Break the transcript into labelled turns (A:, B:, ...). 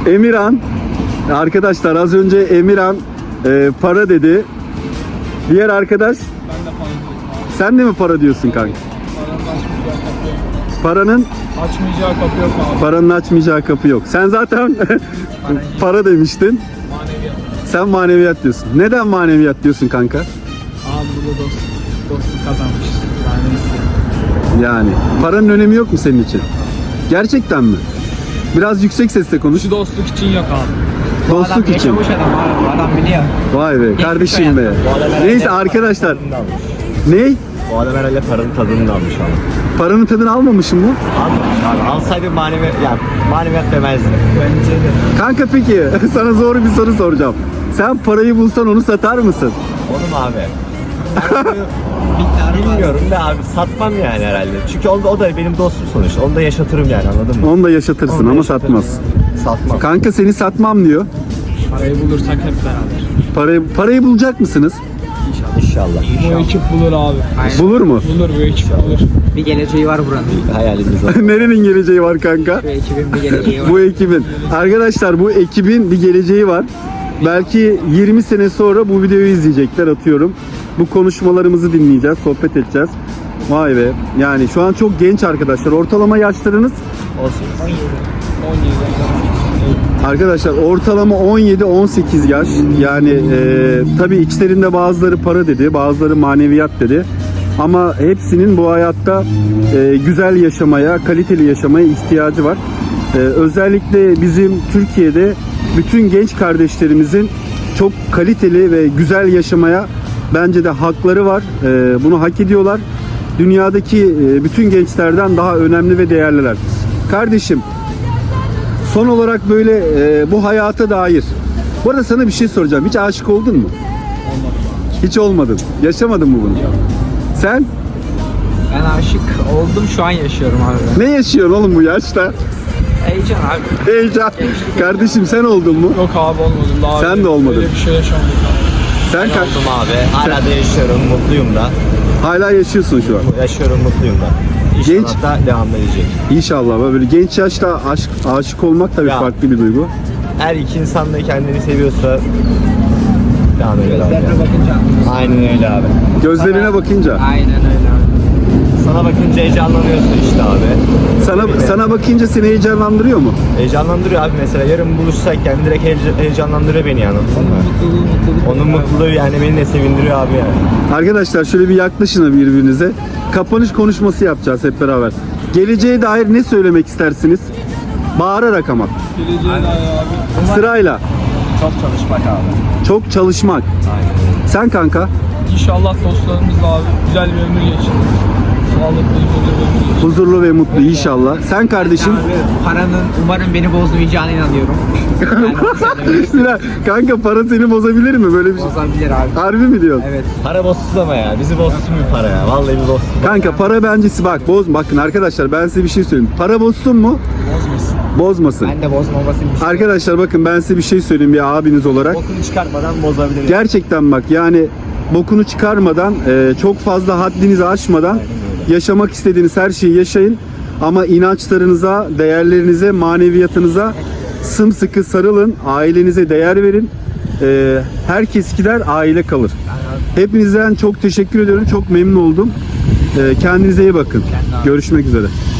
A: Emirhan. Arkadaşlar az önce Emirhan para dedi. Diğer arkadaş,
B: Ben de para diyorum abi.
A: sen de mi para diyorsun kanka?
B: Paranın
A: Paranın
B: açmayacağı kapı yok. Açmayacağı kapı yok abi.
A: paranın açmayacağı kapı yok. Sen zaten para demiştin.
B: Maneviyat.
A: Sen maneviyat diyorsun. Neden maneviyat diyorsun kanka?
B: Abi burada dostluk kazanmış. Yani neyse.
A: Yani paranın önemi yok mu senin için? Gerçekten mi? Biraz yüksek sesle konuş.
B: Şu dostluk için yok abi.
A: Dostluk için.
C: Yaşamış adam abi. Bu adam biliyor.
A: Vay be kardeşim be. Neyse arkadaşlar. Ne?
D: O adam herhalde paranın tadını da almış abi.
A: Paranın tadını almamışım mı?
D: Almamış abi. Alsaydı maneviyat demezdi.
B: Bence de.
A: Kanka peki sana zor bir soru soracağım. Sen parayı bulsan onu satar mısın?
D: Oğlum abi. Bilmiyorum da abi satmam yani herhalde. Çünkü o da benim dostum sonuçta. Onu da yaşatırım yani, anladın mı?
A: Onu da yaşatırsın
D: Onu da
A: ama
D: yaşatırım
A: satmaz.
D: yani. Satmam.
A: Kanka seni satmam diyor.
B: Parayı bulursak hep beraber.
A: Parayı bulacak mısınız?
D: İnşallah.
B: Bu ekip bulur abi.
A: Bulur mu?
B: Bulur, bu ekip bulur.
C: Bir geleceği var buranın.
D: Hayalimiz o.
A: Nerenin geleceği var kanka?
C: Şu ekibin bir geleceği var.
A: Bu ekibin. Arkadaşlar bu ekibin bir geleceği var. Belki 20 sene sonra bu videoyu izleyecekler, atıyorum. Bu konuşmalarımızı dinleyeceğiz, sohbet edeceğiz. Vay be. Yani şu an çok genç arkadaşlar. Ortalama yaşlarınız
D: Olsun.
B: 17.
A: arkadaşlar ortalama 17-18 yaş. Yani tabii içlerinde bazıları para dedi, bazıları maneviyat dedi. Ama hepsinin bu hayatta güzel yaşamaya, kaliteli yaşamaya ihtiyacı var. Özellikle bizim Türkiye'de bütün genç kardeşlerimizin çok kaliteli ve güzel yaşamaya bence de hakları var. Bunu hak ediyorlar. Dünyadaki bütün gençlerden daha önemli ve değerliler. Kardeşim, son olarak böyle bu hayata dair. Bu arada sana bir şey soracağım. Hiç aşık oldun mu? Hiç olmadın. Yaşamadın mı bunu? Sen
C: Ben aşık oldum, şu an yaşıyorum abi.
A: ne yaşıyorsun oğlum bu yaşta?
C: Heyecan abi.
A: Heyecan. Kardeşim sen oldun mu?
B: Yok abi, olmadım daha.
A: Sen
B: önce
A: de olmadın.
B: Böyle bir şey yaşamadık abi.
A: Sen
D: Oldum abi. Hala da yaşıyorum. Mutluyum da.
A: hala yaşıyorsun şu an.
D: Yaşıyorum, mutluyum da.
A: Genç-
D: İnşallah da devam edecek.
A: İnşallah. Böyle genç yaşta aşık olmak tabii
D: Ya.
A: farklı bir duygu.
D: Her iki insan da kendini seviyorsa devam ediyor abi.
C: Gözlerine bakınca.
D: Aynen öyle abi.
A: Gözlerine bakınca.
C: Aynen öyle abi.
D: Sana bakınca heyecanlanıyorsun işte abi.
A: Sana bakınca seni heyecanlandırıyor mu?
D: Heyecanlandırıyor abi, mesela yarın buluşsak yani direkt heyecanlandırıyor beni yani, anladın mı? Onun mutluluğu yani beni de sevindiriyor abi yani.
A: Arkadaşlar şöyle bir yaklaşın birbirinize. Kapanış konuşması yapacağız hep beraber. Geleceğe dair ne söylemek istersiniz? Bağırarak ama.
B: Geleceğe dair abi.
A: Sırayla.
D: Çok çalışmak abi.
A: Çok çalışmak. Sen kanka?
B: İnşallah dostlarımızla abi güzel bir ömür geçiririz. Sağlıklı, huzurlu bir ömür geçiririz.
A: Huzurlu ve mutlu inşallah. Sen kardeşim?
C: Abi, paranın umarım beni bozmayacağına inanıyorum. Yani onu söylemek istiyorum.
A: Kanka para seni bozabilir mi? Böyle bir şey.
C: Bozabilir abi.
A: Harbi mi diyorsun?
C: Evet.
D: Para bozsun ama ya. Bizi bozsun bir para ya. Vallahi bir bozsun.
A: Kanka para bencesi bak bakın arkadaşlar ben size bir şey söyleyeyim. Para bozsun mu?
B: Bozmasın.
A: Bozmasın.
C: Ben de bozmamasını istiyorum.
A: Arkadaşlar bakın ben size bir şey söyleyeyim bir abiniz olarak.
D: Bokunu çıkartmadan bozabilir.
A: Gerçekten bak yani bokunu çıkarmadan çok fazla haddinizi aşmadan yaşamak istediğiniz her şeyi yaşayın. Ama inançlarınıza, değerlerinize, maneviyatınıza sımsıkı sarılın. Ailenize değer verin. Herkes gider, aile kalır. Hepinizden çok teşekkür ediyorum. Çok memnun oldum. Kendinize iyi bakın. Görüşmek üzere.